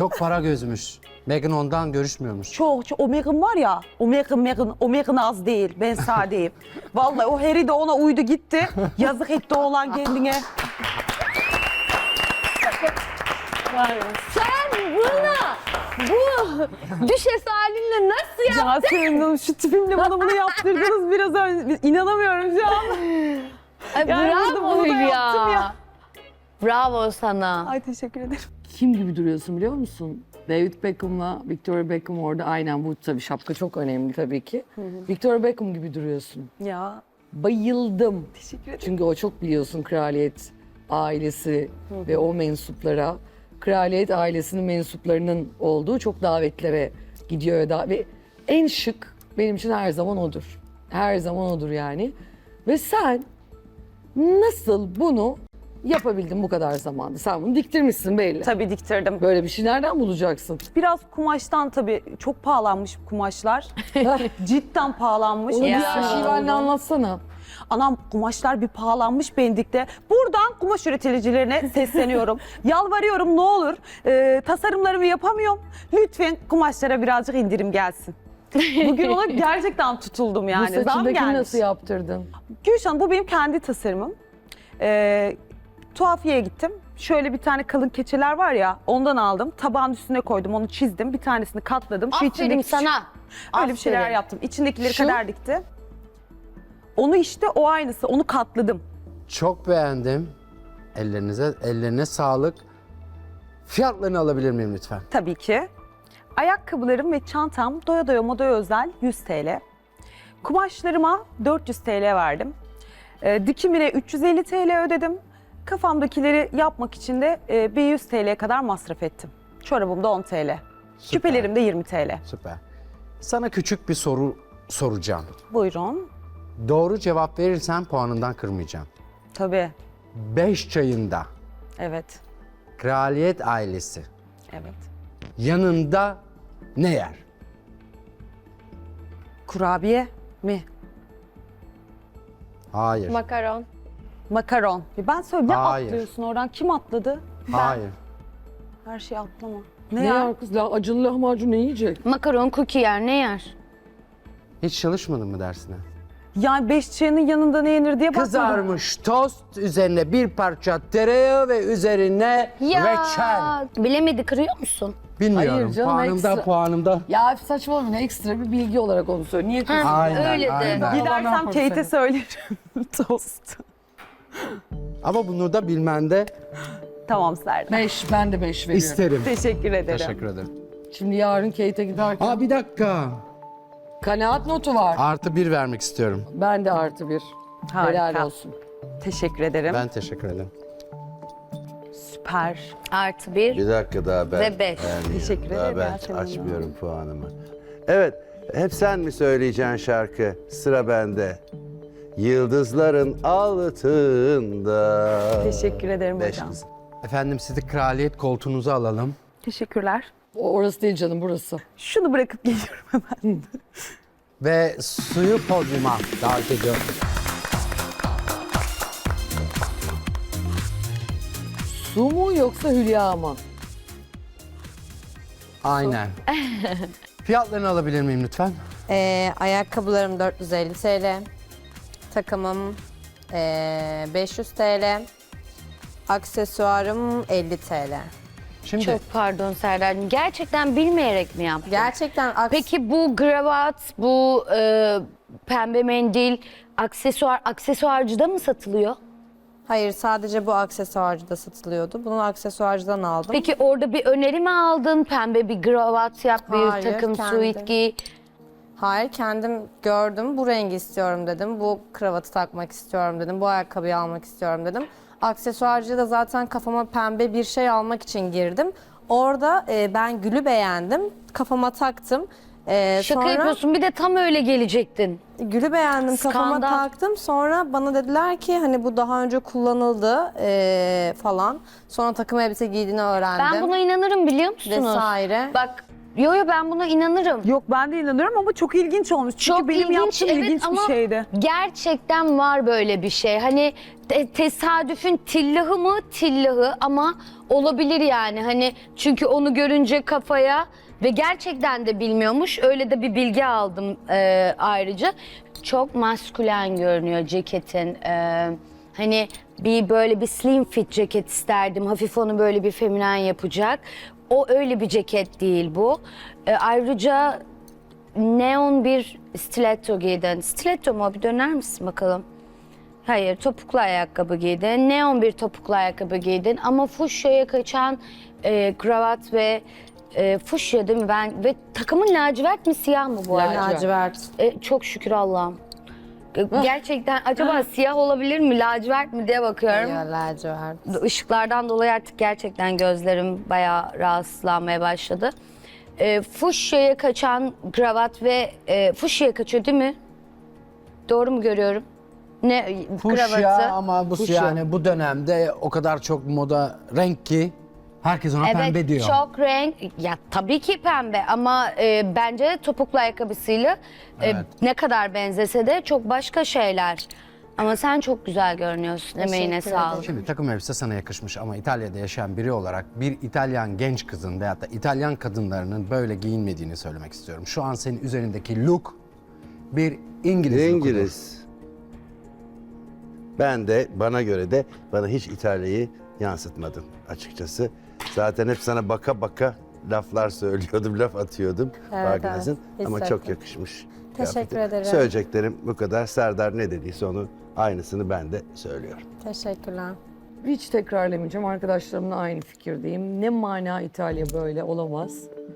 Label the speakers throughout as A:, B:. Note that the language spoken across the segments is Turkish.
A: Çok para gözmüş. Meghan ondan görüşmüyormuş.
B: Çok. O Meghan var ya, o Meghan az değil. Ben sadeyim. Vallahi o Harry de ona uydu gitti. Yazık etti oğlan kendine.
C: Sen buna bu düşes halinle nasıl ya?
B: Yasemin Hanım şu tipimle bana bunu yaptırdınız biraz önce. İnanamıyorum şu an.
C: Ay,
B: Yani burada
C: bravo
B: bunu da yaptım
C: Hülya.
B: ya.
C: Bravo sana.
B: Ay teşekkür ederim.
D: Kim gibi duruyorsun biliyor musun? David Beckham'la Victoria Beckham orada aynen bu tabii şapka çok önemli tabii ki. Victoria Beckham gibi duruyorsun.
B: Ya
D: Bayıldım.
B: teşekkür ederim.
D: Çünkü o çok biliyorsun kraliyet ailesi ve o mensuplara, kraliyet ailesinin mensuplarının olduğu çok davetlere gidiyor ve en şık benim için her zaman odur. Her zaman odur yani. Ve sen nasıl bunu yapabildin bu kadar zamanda? Sen bunu diktirmişsin belli.
B: Tabii diktirdim.
D: Böyle bir şey nereden bulacaksın?
B: Biraz kumaştan tabii çok pahalanmış kumaşlar. Cidden pahalanmış.
D: Onu
C: Ya.
D: bir şivenle anlatsana.
B: Anam kumaşlar bir pahalanmış Pendik'te. Buradan kumaş üreticilerine sesleniyorum. Yalvarıyorum ne olur. Tasarımlarımı yapamıyorum. Lütfen kumaşlara birazcık indirim gelsin. Bugün ona gerçekten tutuldum
D: Bu
B: yani. Zam
D: saçındakini
B: gelmiş.
D: nasıl yaptırdın?
B: Gülşen bu benim kendi tasarımım. Tuhafiyeye gittim. Şöyle bir tane kalın keçeler var ya ondan aldım. Tabağın üstüne koydum onu çizdim. Bir tanesini katladım. Şu
C: Aferin
B: içindeki-
C: sana.
B: Öyle bir şeyler
C: Aferin.
B: yaptım. İçindekileri
D: Şu-
B: kadar dikti. Onu işte o aynısı. Onu katladım.
A: Çok beğendim. Ellerine sağlık. Fiyatlarını alabilir miyim lütfen?
B: Tabii ki. Ayakkabılarım ve çantam doya doya modaya özel 100 TL. Kumaşlarıma 400 TL verdim. Dikimine 350 TL ödedim. Kafamdakileri yapmak için de bir 100 TL kadar masraf ettim. Çorabım da 10 TL. Küpelerim de 20 TL.
A: Süper. Sana küçük bir soru soracağım.
B: Buyurun.
A: Doğru cevap verirsen puanından kırmayacağım.
B: Tabii.
A: 5 çayında
B: Evet.
A: kraliyet ailesi
B: Evet.
A: yanında ne yer?
B: Kurabiye mi?
A: Hayır.
C: Makaron.
B: Makaron. Ben söyle ne
A: Hayır.
B: atlıyorsun oradan? Kim atladı?
A: Hayır.
B: Her şeyi atlama.
D: Ne
B: Ne ya?
D: yer kız? Acılı lahmacun ne yiyecek?
C: Makaron cookie yer ne yer?
A: Hiç çalışmadın mı dersine?
B: Yani 5 çayının yanında ne yenir diye bakmadım.
A: Kızarmış tost, üzerine bir parça tereyağı ve üzerine reçel.
C: Bilemedi kırıyor musun?
A: Bilmiyorum.
D: Hayır canım,
A: puanımda
D: ekstra.
A: puanımda.
D: Ya saçmalama ekstra bir bilgi olarak onu söyle. Niye kızıyorsun?
A: Aynen,
C: öyle de.
A: aynen.
B: Gidersem
D: Allah'ım
B: Kate'e
D: seni.
B: söylerim. Tost.
A: Ama bunu da bilmende
B: Tamam Serdar.
D: 5, ben de 5 veriyorum.
A: isterim.
B: Teşekkür ederim.
A: Teşekkür ederim.
D: Şimdi yarın Kate'e giderken
A: Aa bir dakika.
D: kanaat notu var.
A: Artı 1 vermek istiyorum.
D: Ben de artı 1.
B: Harika.
D: Helal olsun.
B: Teşekkür ederim.
A: Ben teşekkür ederim.
B: Süper.
C: Artı bir.
E: Bir dakika daha ben.
C: Ve 5.
E: beğenmiyorum.
B: Teşekkür
E: Daha
B: ederim
E: ben
B: Yasemin Hanım.
E: açmıyorum puanımı. Evet, hep sen mi söyleyeceksin şarkı? Sıra bende. Yıldızların altında.
B: Teşekkür ederim
E: 5
B: hocam.
E: kızım.
A: Efendim sizi kraliyet koltuğunuza alalım.
B: Teşekkürler.
D: Orası değil canım burası.
B: Şunu bırakıp geliyorum hemen.
A: Ve suyu podyuma davet ediyorum.
D: Su mu yoksa Hülya mı?
A: Aynen. Fiyatlarını alabilir miyim lütfen?
F: Ayakkabılarım 450 TL. Takımım 500 TL. Aksesuarım 50 TL.
A: Şimdi
C: Çok pardon Serdar'cığım. Gerçekten bilmeyerek mi yaptın?
F: Gerçekten
C: Peki bu kravat, bu pembe mendil, aksesuarcıda mı satılıyor?
F: hayır, sadece bu aksesuarcıda satılıyordu. Bunu aksesuarcıdan aldım.
C: Peki orada bir öneri mi aldın? Pembe bir kravat yap, bir
F: Hayır,
C: takım
F: kendi.
C: suit giy.
F: Hayır, kendim gördüm. Bu rengi istiyorum dedim. Bu kravatı takmak istiyorum dedim. Bu ayakkabıyı almak istiyorum dedim. Aksesuarcıya da zaten kafama pembe bir şey almak için girdim. Orada ben gülü beğendim. Kafama taktım.
C: Şaka
F: Sonra
C: yapıyorsun. Bir de tam öyle gelecektin.
F: gülü beğendim, kafama
C: Skandal.
F: taktım. Sonra bana dediler ki hani bu daha önce kullanıldı falan. Sonra takım elbise giydiğini öğrendim.
C: Ben buna inanırım biliyor musunuz?
F: Vesaire.
C: Bak, yo ben buna inanırım.
B: Yok ben de inanıyorum ama çok ilginç olmuş. Çünkü
C: Çok
B: benim
C: ilginç,
B: yaptığım
C: evet,
B: ilginç
C: ama
B: bir şeydi.
C: Gerçekten var böyle bir şey. Hani tesadüfün tillahı mı? Tillahı ama olabilir yani. Hani çünkü onu görünce kafaya ve gerçekten de bilmiyormuş. Öyle de bir bilgi aldım ayrıca. Çok maskülen görünüyor ceketin. Hani böyle bir slim fit ceket isterdim. Hafif onu böyle bir feminen yapacak. O öyle bir ceket değil bu. Ayrıca neon bir stiletto giydin. Stiletto mu? Bir döner misin bakalım? Hayır, topuklu ayakkabı giydin. Neon bir topuklu ayakkabı giydin. Ama fuşyaya kaçan kravat ve fuşya değil mi? Ve takımın lacivert mi siyah mı bu arada?
F: Lacivert.
C: Çok şükür Allah'ım. Gerçekten acaba siyah olabilir mi, lacivert mi diye bakıyorum.
F: Ya, lacivert.
C: Işıklardan dolayı artık gerçekten gözlerim bayağı rahatsızlanmaya başladı. Fuşyaya kaçan kravat ve fuşyaya kaçıyor değil mi? Doğru mu görüyorum? Ne
A: Fuşya
C: kravatı?
A: ama bu
D: Fuşya.
A: yani bu dönemde o kadar çok moda renk ki herkes ona pembe diyor.
C: Çok renk. Ya tabii ki pembe ama bence topuklu ayakkabısıyla ne kadar benzese de çok başka şeyler. Ama sen çok güzel görünüyorsun. Emeğine
F: Teşekkür
C: sağlık.
A: Şimdi takım elbise sana yakışmış ama İtalya'da yaşayan biri olarak bir İtalyan genç kızın veyahut da İtalyan kadınlarının böyle giyinmediğini söylemek istiyorum. Şu an senin üzerindeki look bir İngiliz lookudur.
E: İngiliz. Ben de bana göre de bana hiç İtalya'yı yansıtmadın açıkçası. Zaten hep sana baka baka laflar söylüyordum, laf atıyordum.
F: Evet,
E: Farkındasın.
F: evet.
E: Ama
F: Hissettim.
E: çok yakışmış.
F: Teşekkür
E: kıyafetin.
F: ederim.
E: Söyleyeceklerim bu kadar. Serdar ne dediyse onu aynısını ben de söylüyorum.
F: Teşekkürler.
D: Hiç tekrarlamayacağım. Arkadaşlarımla aynı fikirdeyim. Ne mana İtalya böyle olamaz.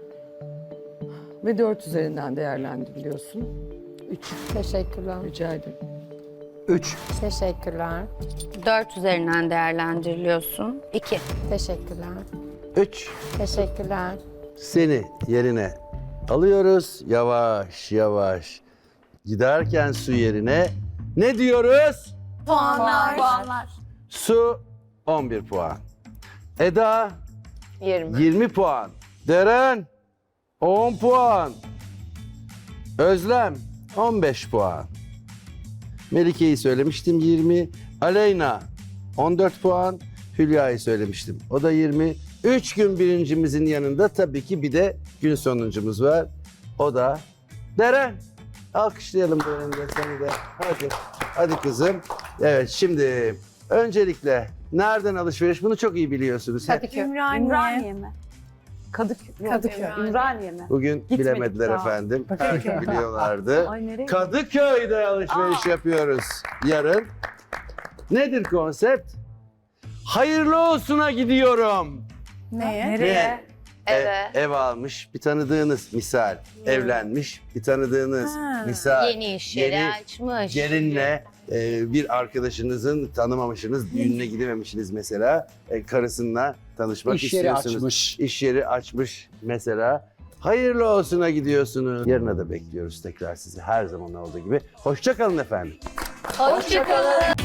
D: Ve 4 üzerinden değerlendiriliyorsun. 3
F: Teşekkürler.
D: rica ederim.
A: 3.
F: Teşekkürler.
C: 4 üzerinden değerlendiriliyorsun. 2.
F: Teşekkürler.
E: 3.
F: Teşekkürler.
E: Seni yerine alıyoruz. Yavaş yavaş giderken su yerine ne diyoruz?
C: Puanlar.
E: Su 11 puan. Eda
C: 20.
E: 20 puan. Deren 10 puan. Özlem 15 puan. Melike'yi söylemiştim 20. Aleyna 14 puan. Hülya'yı söylemiştim. O da 20. 3 gün birincimizin yanında tabii ki bir de gün sonuncumuz var. O da Deren. Alkışlayalım Deren'i de seni de. Hadi. Hadi kızım. Evet şimdi öncelikle nereden alışveriş? Bunu çok iyi biliyorsunuz.
B: Ümraniye mi? Kadıköy. Ümraniye mi?
E: Bugün
B: Gitmedik
E: bilemediler
B: daha.
E: efendim. Her gün biliyorlardı.
B: Ay, nereye?
E: Kadıköy'de alışveriş yapıyoruz yarın. Nedir konsept? Hayırlı olsuna gidiyorum.
B: Nereye?
C: Evet.
E: Ev almış bir tanıdığınız misal. Evlenmiş bir tanıdığınız misal.
C: Yeni iş yeri
E: Yeni
C: açmış.
E: Gelinle bir arkadaşınızın tanımamışsınız, düğününe gidememişsiniz mesela. Karısınla tanışmak
A: İş yeri
E: istiyorsunuz.
A: açmış.
E: İş yeri açmış mesela. Hayırlı olsuna gidiyorsunuz. Yarına da bekliyoruz tekrar sizi her zaman olduğu gibi. Hoşça kalın efendim.
C: Hoşçakalın.